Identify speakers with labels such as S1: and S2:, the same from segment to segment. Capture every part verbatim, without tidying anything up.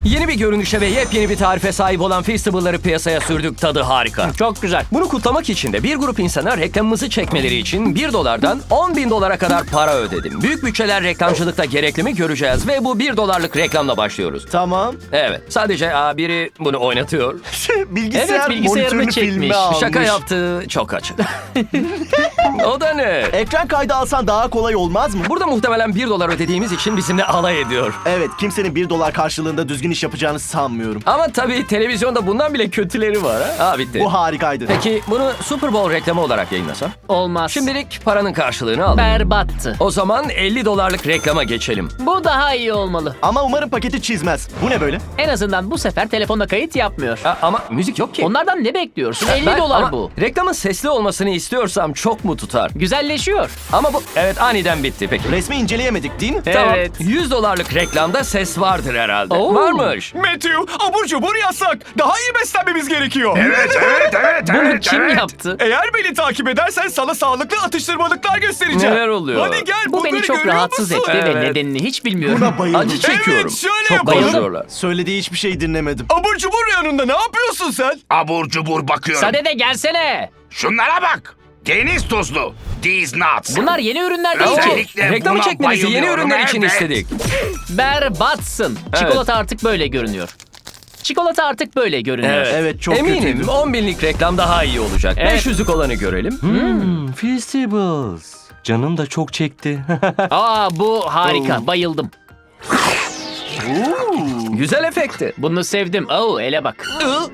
S1: Yeni bir görünüşe ve yepyeni bir tarife sahip olan Feastable'ları piyasaya sürdük. Tadı harika.
S2: Çok güzel.
S1: Bunu kutlamak için de bir grup insana reklamımızı çekmeleri için bir dolardan on bin dolara kadar para ödedim. Büyük bütçeler reklamcılıkta gerekli mi göreceğiz ve bu bir dolarlık reklamla başlıyoruz.
S3: Tamam.
S1: Evet, sadece aa, biri bunu oynatıyor.
S3: Bilgisayar
S2: Evet, bilgisayarını
S3: monitörünü
S2: çekmiş.
S3: filme almış.
S1: Şaka yaptığı çok açık. O da ne?
S3: Ekran kaydı alsan daha kolay olmaz mı?
S1: Burada muhtemelen bir dolar ödediğimiz için bizimle alay ediyor.
S3: Evet, kimsenin bir dolar karşılığında düzgün iş yapacağını sanmıyorum.
S1: Ama tabii televizyonda bundan bile kötüleri var ha. Ha bitti.
S3: Bu harikaydı.
S1: Peki bunu Super Bowl reklamı olarak yayınlasam?
S2: Olmaz.
S1: Şimdilik paranın karşılığını al.
S2: berbattı.
S1: O zaman elli dolarlık reklama geçelim.
S2: Bu daha iyi olmalı.
S3: Ama umarım paketi çizmez. Bu ne böyle?
S2: En azından bu sefer telefonda kayıt yapmıyor.
S1: Ha, ama müzik yok ki.
S2: Onlardan ne bekliyorsun? elli
S1: Ben-
S2: dolar
S1: ama
S2: bu.
S1: reklamın sesli olmasını istiyorsam çok mu tutar?
S2: Güzelleşiyor.
S1: Ama bu evet aniden bitti peki.
S3: Resmi inceleyemedik değil mi?
S1: Tamam.
S2: Evet.
S1: yüz dolarlık reklamda ses vardır herhalde.
S2: Oo.
S1: Varmış.
S4: Matthew, abur cubur yasak. Daha iyi beslenmemiz gerekiyor.
S5: Evet, evet, evet,
S2: Bunu
S5: evet,
S2: kim
S5: evet.
S2: yaptı?
S4: Eğer beni takip edersen sana sağlıklı atıştırmalıklar göstereceğim.
S1: Neler oluyor?
S4: Hadi gel,
S2: Bu beni
S4: bunları
S2: çok
S4: görüyor
S2: rahatsız
S4: musun?
S2: etti
S1: Evet.
S2: ve nedenini hiç bilmiyorum.
S3: Buna bayıldım.
S1: Acı çekiyorum.
S4: Evet, şöyle
S1: çok
S4: yapalım.
S1: bayılıyorlar.
S3: Söylediği hiçbir şey dinlemedim.
S4: Abur cubur yanında ne yapıyorsun sen?
S5: Abur cubur bakıyorum.
S2: Sade de gelsene.
S5: Şunlara bak. Deniz tuzlu. These nuts.
S2: Bunlar yeni ürünler değil ki.
S5: Özellikle
S1: Reklamı
S5: buna
S1: çekmenizi yeni
S5: bayılıyorum,
S1: ürünler için
S5: evet.
S1: istedik.
S2: Berbatsın. Çikolata artık böyle görünüyor. Çikolata artık böyle görünüyor.
S1: Evet.
S3: Evet, çok
S1: Eminim
S3: kötüydü.
S1: on binlik reklam daha iyi olacak.
S2: Evet.
S1: beş yüzlük olanı görelim. Hmm, Feastables. Canım da çok çekti.
S2: Aa bu harika. Bayıldım.
S1: Güzel efekti.
S2: Bunu sevdim. Oo ele bak.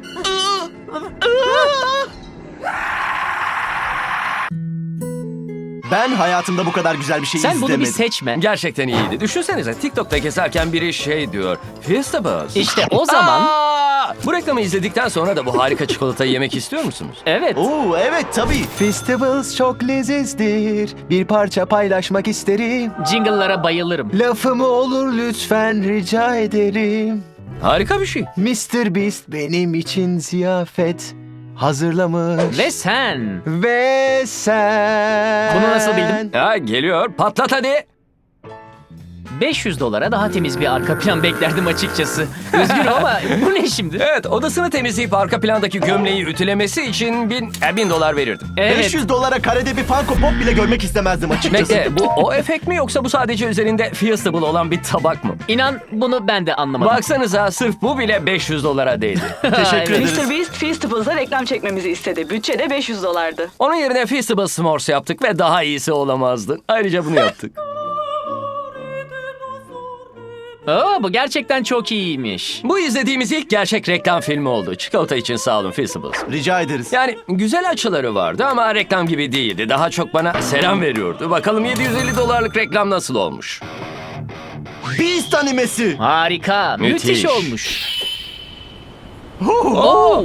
S3: Ben hayatımda bu kadar güzel bir şey
S2: Sen
S3: izlemedim.
S2: bunu bir seçme.
S1: Gerçekten iyiydi. Düşünsenize TikTok'ta gezerken biri şey diyor. Feastables.
S2: İşte o zaman.
S1: Aa! Bu reklamı izledikten sonra da bu harika çikolatayı yemek istiyor musunuz?
S2: Evet.
S3: Oo, evet tabii.
S6: Festivals çok lezizdir. Bir parça paylaşmak isterim.
S2: Jingle'lara bayılırım.
S6: Lafımı olur lütfen rica ederim.
S1: Harika bir şey.
S6: mister Beast benim için ziyafet hazırlamış.
S2: Ve sen.
S6: Ve sen...
S2: Bunu nasıl bildin?
S1: Ha, geliyor. Patlat hadi.
S2: beş yüz dolara daha temiz bir arka plan beklerdim açıkçası. Üzgünüm ama bu ne şimdi?
S1: Evet, odasını temizleyip arka plandaki gömleği ütülemesi için bin, e, bin dolar verirdim.
S2: Evet.
S3: beş yüz dolara karede bir Funko Pop bile görmek istemezdim açıkçası.
S1: Bekle, bu o efekt mi yoksa bu sadece üzerinde Feastable olan bir tabak mı?
S2: İnan bunu ben de anlamadım.
S1: Baksanıza sırf bu bile beş yüz dolara değdi.
S3: Teşekkür
S2: Evet.
S3: ederiz.
S7: mister Beast Feastables'a reklam çekmemizi istedi. Bütçe de beş yüz dolardı.
S1: Onun yerine Feastable S'mores yaptık ve daha iyisi olamazdı. Ayrıca bunu yaptık.
S2: Aa, bu gerçekten çok iyiymiş.
S1: Bu izlediğimiz ilk gerçek reklam filmi oldu. Çikolata için sağ olun Feastables.
S3: Rica ederiz.
S1: Yani güzel açıları vardı ama reklam gibi değildi. Daha çok bana selam veriyordu. Bakalım yedi yüz elli dolarlık reklam nasıl olmuş?
S3: Beast animesi.
S2: Harika. Müthiş,
S1: Müthiş.
S2: olmuş. Oo.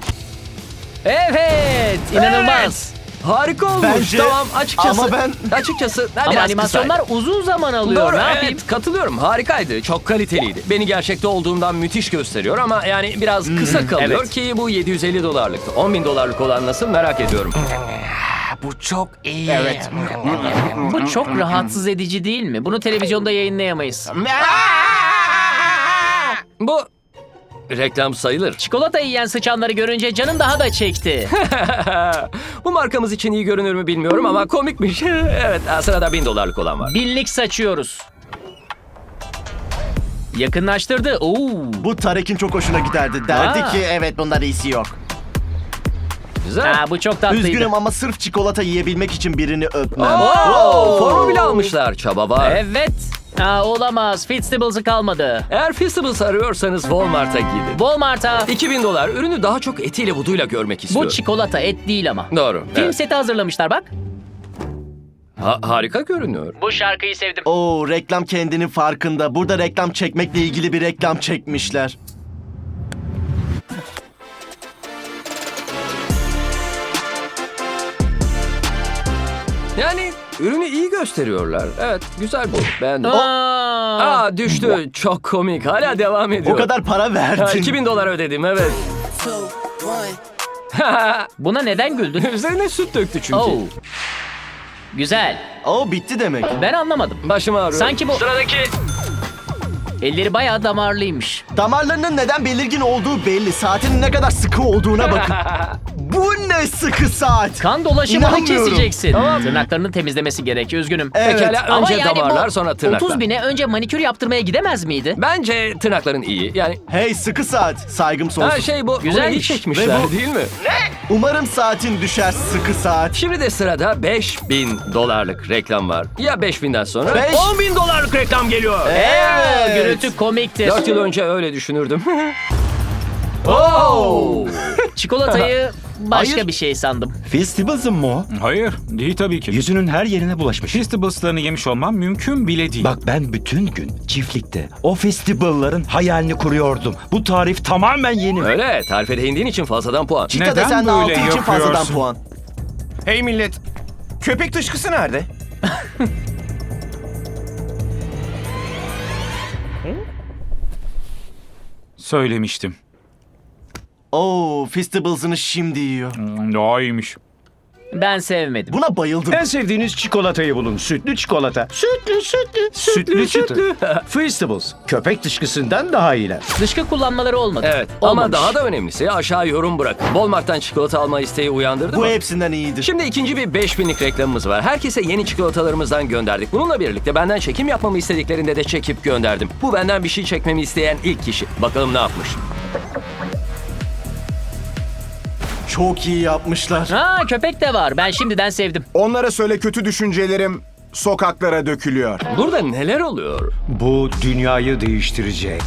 S2: Evet. İnanılmaz.
S1: Harika olmuş.
S3: Bence-
S1: Tamam açıkçası.
S3: ama ben-
S1: Açıkçası ha,
S2: Ama
S1: biraz
S2: animasyonlar
S1: kısaydı.
S2: uzun zaman alıyor.
S1: Doğru,
S2: ne
S1: evet,
S2: yapayım?
S1: katılıyorum. Harikaydı. Çok kaliteliydi. Beni gerçekte olduğumdan müthiş gösteriyor ama yani biraz kısa kalıyor
S2: evet.
S1: ki bu yedi yüz elli dolarlıktı. on bin dolarlık olan nasıl merak ediyorum.
S5: Bu çok iyi.
S1: Evet.
S2: Bu çok rahatsız edici değil mi? Bunu televizyonda yayınlayamayız.
S1: Bu reklam sayılır.
S2: Çikolata yiyen sıçanları görünce canım daha da çekti.
S1: Bu markamız için iyi görünür mü bilmiyorum ama komikmiş. Evet, sırada bin dolarlık olan var.
S2: Binlik saçıyoruz. Yakınlaştırdı. Oo.
S3: Bu Tarek'in çok hoşuna giderdi. Derdi
S2: Aa.
S3: ki evet bunlar iyisi yok.
S1: Güzel.
S2: Aa, bu çok tatlıydı.
S3: Üzgünüm ama sırf çikolata yiyebilmek için birini öpmem.
S1: Oo, formu bile almışlar. Çaba var.
S2: Evet. Aa, olamaz. Feastables'ı kalmadı.
S1: Eğer Feastables arıyorsanız Walmart'a gidin.
S2: Walmart'a.
S1: iki bin dolar. Ürünü daha çok etiyle buduyla görmek
S2: Bu
S1: istiyorum.
S2: çikolata et değil ama.
S1: Doğru.
S2: Film
S1: evet.
S2: seti hazırlamışlar bak.
S1: Ha- harika görünüyor.
S2: Bu şarkıyı sevdim.
S3: Oo, reklam kendinin farkında. Burada reklam çekmekle ilgili bir reklam çekmişler.
S1: Yani ürünü iyi gösteriyorlar. Evet, güzel bu. Beğendim.
S2: Aa.
S1: Aa, düştü. Çok komik. Hala devam ediyor.
S3: O kadar para
S1: Ha,
S3: verdin.
S1: iki bin dolar ödedim, evet.
S2: Buna neden güldün?
S1: Üzerine süt döktü çünkü.
S2: Oo. Güzel.
S3: Oo, bitti demek.
S2: Ben anlamadım.
S1: Başım ağrıyor.
S2: Sanki bu...
S1: Sıradaki.
S2: Elleri bayağı damarlıymış.
S3: Damarlarının neden belirgin olduğu belli. Saatinin ne kadar sıkı olduğuna bakın. Bu ne sıkı saat?
S2: Kan dolaşımını
S3: İnanmıyorum.
S2: keseceksin. Tırnaklarını temizlemesi gerek, üzgünüm.
S3: Evet.
S1: Pekala
S2: Ama
S1: önce
S2: yani
S1: damarlar
S2: bu
S1: sonra tırnaklar.
S2: otuz bine önce manikür yaptırmaya gidemez miydi?
S1: Bence tırnakların iyi. Yani
S3: Hey sıkı saat. Saygım sonsuz.
S1: ha şey bu bunu iyi
S2: Güzelmiş.
S1: çekmişler
S3: Ve bu-
S1: değil mi?
S3: Umarım saatin düşer sıkı saat.
S1: Şimdi de sırada beş bin dolarlık reklam var. Ya beş binden sonra
S3: Beş-
S1: on bin dolarlık reklam geliyor.
S2: Evet. Gürültü komiktir.
S1: dört yıl önce öyle düşünürdüm. Oh!
S2: Çikolatayı başka
S3: Hayır.
S2: bir şey sandım.
S8: Festivals'ın mı o?
S9: Hayır, değil tabii ki.
S8: Yüzünün her yerine bulaşmış.
S9: Festivals'larını yemiş olmam mümkün bile değil.
S8: Bak ben bütün gün çiftlikte o festivalların hayalini kuruyordum. Bu tarif tamamen yeni.
S1: Öyle tarife değindiğin için fazladan puan.
S3: Çita
S9: Neden
S3: desen de
S9: böyle
S3: altı için fazladan
S9: yapıyorsun?
S3: puan.
S4: Hey millet. Köpek dışkısı nerede?
S9: Söylemiştim.
S3: Oo, Festivals'ını şimdi yiyor.
S9: Hmm, Daha iyiymiş.
S2: Ben sevmedim.
S3: Buna bayıldım.
S10: En sevdiğiniz çikolatayı bulun. Sütlü çikolata. Sütlü sütlü. Sütlü sütlü. Feastables. Köpek dışkısından daha iyiler.
S2: Dışkı kullanmaları olmadı.
S1: Evet ama
S2: Olmamış.
S1: daha da önemlisi aşağı yorum bırak. Walmart'tan çikolata alma isteği uyandırdı
S3: Bu
S1: mı?
S3: hepsinden iyidir.
S1: Şimdi ikinci bir beş binlik reklamımız var. Herkese yeni çikolatalarımızdan gönderdik. Bununla birlikte benden çekim yapmamı istediklerinde de çekip gönderdim. Bu benden bir şey çekmemi isteyen ilk kişi. Bakalım ne yapmış.
S3: Çok iyi yapmışlar.
S2: Ha, köpek de var. Ben şimdiden sevdim.
S11: Onlara söyle kötü düşüncelerim sokaklara dökülüyor.
S1: Burada neler oluyor?
S10: Bu dünyayı değiştirecek.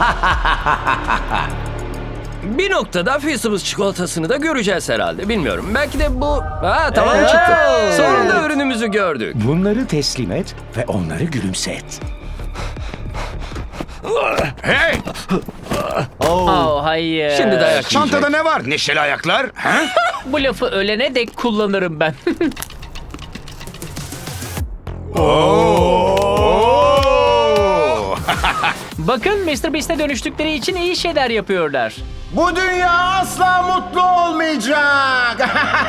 S1: Bir noktada Feastables çikolatasını da göreceğiz herhalde. Bilmiyorum. Belki de bu... Ha tamam çıktı. Sonunda ürünümüzü gördük.
S10: Bunları teslim et ve onları gülümset.
S5: Hey!
S2: Oh hayır.
S1: Şimdi dayak
S5: Çantada
S1: yiyecek.
S5: ne var? Neşeli ayaklar? Ha?
S2: Bu lafı ölene dek kullanırım ben. Bakın mister Beast'e dönüştükleri için iyi şeyler yapıyorlar.
S11: Bu dünya asla mutlu olmayacak.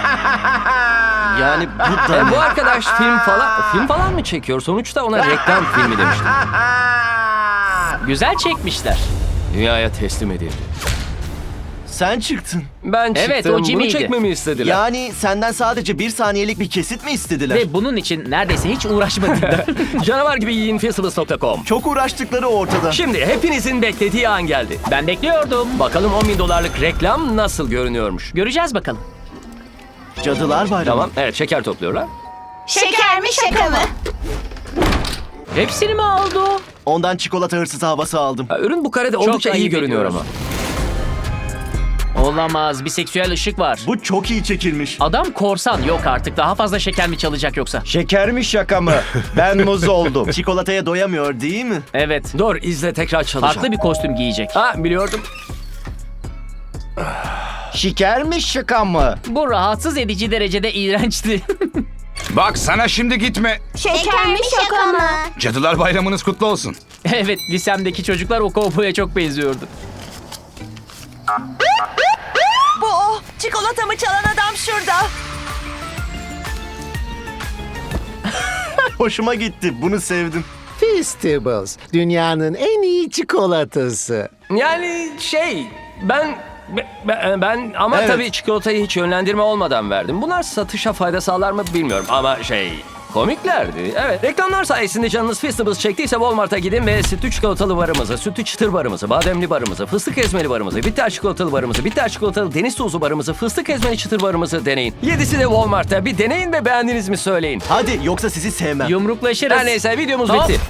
S3: Yani bu da
S1: E, bu arkadaş film falan film falan mı çekiyor? Sonuçta ona reklam filmi demiştim.
S2: Güzel çekmişler.
S1: Dünyaya teslim edildi.
S3: sen çıktın.
S1: Ben çıktım.
S2: Evet, o
S1: Bunu
S2: Jimmy'ydi.
S1: çekmemi istediler.
S3: Yani senden sadece bir saniyelik bir kesit mi istediler?
S2: Ve bunun için neredeyse hiç uğraşmadılar.
S1: Canavar gibi yiyin Feastables nokta com.
S3: Çok uğraştıkları ortada.
S1: Şimdi hepinizin beklediği an geldi.
S2: Ben bekliyordum.
S1: Bakalım on bin dolarlık reklam nasıl görünüyormuş.
S2: Göreceğiz bakalım.
S3: Cadılar Bayramı.
S1: Tamam, evet şeker topluyorlar.
S12: Şeker mi şaka mı?
S2: Hepsini mi aldı o?
S3: Ondan çikolata hırsızı havası aldım.
S1: Ha, ürün bu karede oldukça iyi
S2: ayıp
S1: görünüyor
S2: ediyoruz.
S1: ama.
S2: Olamaz. Bir seksüel ışık var.
S3: Bu çok iyi çekilmiş.
S2: Adam korsan. Yok artık. Daha fazla şeker mi çalacak yoksa?
S10: Şeker mi şaka mı? Ben muz oldum.
S3: Çikolataya doyamıyor değil mi?
S2: Evet.
S1: Dur izle tekrar çalacağım.
S2: Farklı bir kostüm giyecek.
S1: Ha biliyordum.
S10: Şeker mi şaka mı?
S2: Bu rahatsız edici derecede iğrençti.
S5: Bak sana şimdi gitme.
S12: Şeker mi şaka mı?
S5: Cadılar Bayramınız kutlu olsun.
S2: Evet, lisemdeki çocuklar o kovboya çok benziyordu.
S12: Bu o. Çikolatamı çalan adam şurada.
S3: Hoşuma gitti. Bunu sevdim.
S11: Feastables. Dünyanın en iyi çikolatası.
S1: Yani şey ben ben, ben ama
S3: Evet.
S1: tabii çikolatayı hiç yönlendirme olmadan verdim. Bunlar satışa fayda sağlar mı bilmiyorum ama şey komiklerdi. Evet reklamlar sayesinde canınız Feastables çektiyse Walmart'a gidin ve sütlü çikolatalı barımızı, sütlü çıtır barımızı, bademli barımızı, fıstık ezmeli barımızı, bitter çikolatalı barımızı, bitter çikolatalı deniz tuzu barımızı, fıstık ezmeli çıtır barımızı deneyin. Yedisi de Walmart'ta. Bir deneyin ve beğendiniz mi söyleyin.
S3: Hadi yoksa sizi sevmem.
S2: Yumruklaşırız.
S1: Her neyse videomuz
S2: Hop.
S1: bitti.